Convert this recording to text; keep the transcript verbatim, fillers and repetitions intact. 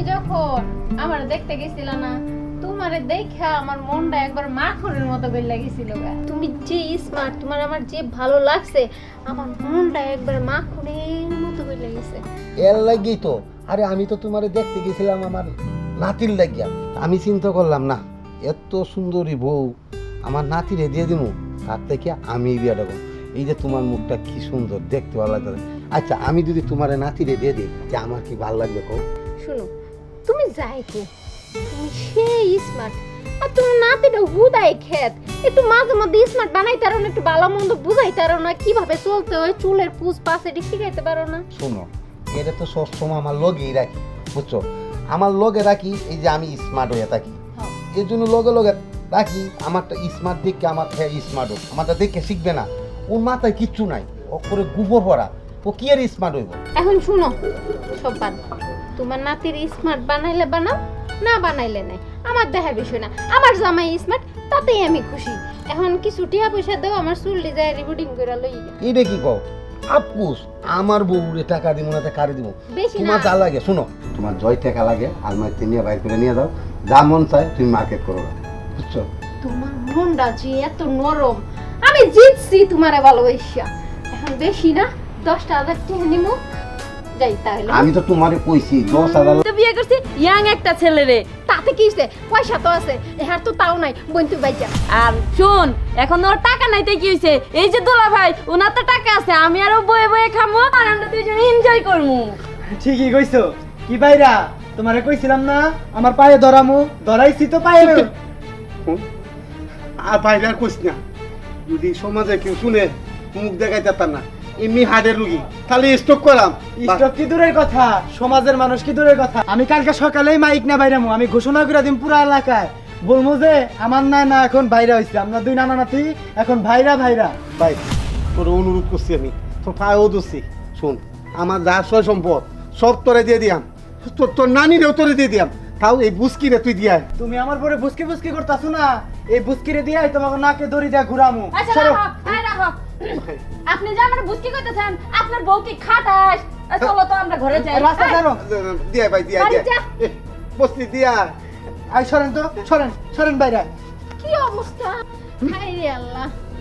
যখন আমার দেখতে গেছিল না, তোমারে দেখা আমার মনটা একবার মাখনের মতো করে লাগছিল। তুমি যে স্মার্ট, তোমার আমার যে ভালো লাগছে, আমার মনটা একবার মাখনের মতো করে লাগছে। এর লাগেই তো, আরে আমি তো তোমারে দেখতে গেছিলাম আমার নাতির লাগিয়া। আমি চিন্তা করলাম না, এত সুন্দরী বউ আমার নাতিরে দিয়ে দিমু, তার থেকে আমি বিয়েটা করব। এই যে তোমার মুখটা কি সুন্দর, দেখতে ভালো লাগবে। আচ্ছা আমি যদি তোমারে নাতিরে দিয়ে দিই, যে আমার কি ভালো লাগবে কো? শুনো, তুমি যাই কো, তুমি সেই স্মার্ট, আর তোমার নাতিটা হুদাই খেত। একটু মাঝে মধ্যে স্মার্ট বানাইতে পারো না, একটু ভালো মন্দ বুঝাইতে পারো না, কিভাবে চলতে হয়, চুলের পুষ পাশ এটি শিখাইতে পারো না। শোনো, এটা তো সবসময় আমার লগেই রাখি, বুঝছো? আমার লগে রাখি এই যে আমি স্মার্ট হয়ে থাকি, এর জন্য লগে লগে রাখি। আমারটা স্মার্ট দেখে আমার হ্যাঁ স্মার্ট হোক, আমারটা দেখে শিখবে না। ওর মাথায় কিচ্ছু নাই, ও করে গোবর ভরা, ও কি আর স্মার্ট হইব? এখন শুনো, সব বাদ, তোমার নাতির স্মার্ট বানাইলে বানাও, না বানাইলে নাই, আমার দেখা বিষয় না। আমার জামাই স্মার্ট, তাতেই আমি খুশি। এখন কিছু টিয়া পয়সা দাও, আমার চুল ডিজাইন রিবুটিং করে লই। এটা কি কও? আপকুস আমার বউরে টাকা দিব না, কারে দিব? বেশি না, তোমার যা লাগে, শুনো, তোমার জয় টাকা লাগে আলমারিতে নিয়ে বাইর করে নিয়ে যাও, যা মন চায় তুমি মার্কেট করো, বুঝছো? তোমার মনটা যে এত নরম, আমি জিতছি তোমারে ভালোবাসা। এখন বেশি না, দশটা হাজার টাকা নিমু, যাই তাহলে। আমি তো তোমারে কইছি দশ হাজার। তো বিয়ে করছি ইয়াং একটা ছেলে রে, তাতে কি হইছে? পয়সা তো আছে, এহার তো তাও নাই, বোন তুই বাইচা। আর শুন, এখন ওর টাকা নাইতে কি হইছে? এই যে দোলা ভাই, ওনার তো টাকা আছে, আমি আরো বয়ে বয়ে খামো, আর আমরা দুইজন এনজয় করমু। ঠিকই কইছো। কি ভাইরা, তোমারে কইছিলাম না আমার পায়ে ধরামু, ধরাইছি তো পায়ে। আর বাইরে আর কইস না, যদি সমাজে কেউ শুনে মুখ দেখাই যেতাম না। এমনি হার্টের রুগী, খালি স্ট্রোক করাম। স্টক কি দূরের কথা, সমাজের মানুষ কি দূরের কথা। আমি কালকে সকালেই মাইক না বাইরামু, আমি ঘোষণা করে দিম পুরো এলাকায়, বলবো যে আমার না না এখন ভাইরা হইছে, আমরা দুই নানা নাতি এখন ভাইরা ভাইরা। ভাই তোর অনুরোধ করছি, আমি তোর পায়েও দোষী। শোন, আমার যা সয় সম্পদ সব তোরে দিয়ে দিয়াম, তোর তোর নানিরেও তোরে দিয়ে দিয়াম, তাও এই বুঝকিরে তুই দিয়ে আয়। তুমি আমার পরে বুসকি বুসকি করতাছো না, এই বুসকিরে দিয়ে তোমাকে নাকে দড়ি দিয়া ঘুরামু। আচ্ছা সরো। রাখো, হ্যাঁ রাখো। আপনি যে আমার বুঝকি কইতেছেন, আপনার বউ কি খাটাস? আর চলো তো আমরা ঘরে যাই। রাস্তা ছাড়ো। দিয়ে ভাই দিয়ে বাড়ি দিয়ে যা। বসতি দিয়া। আই সরেন তো, সরেন সরেন বাইরা। কি অবস্থা, হায় রে আল্লাহ।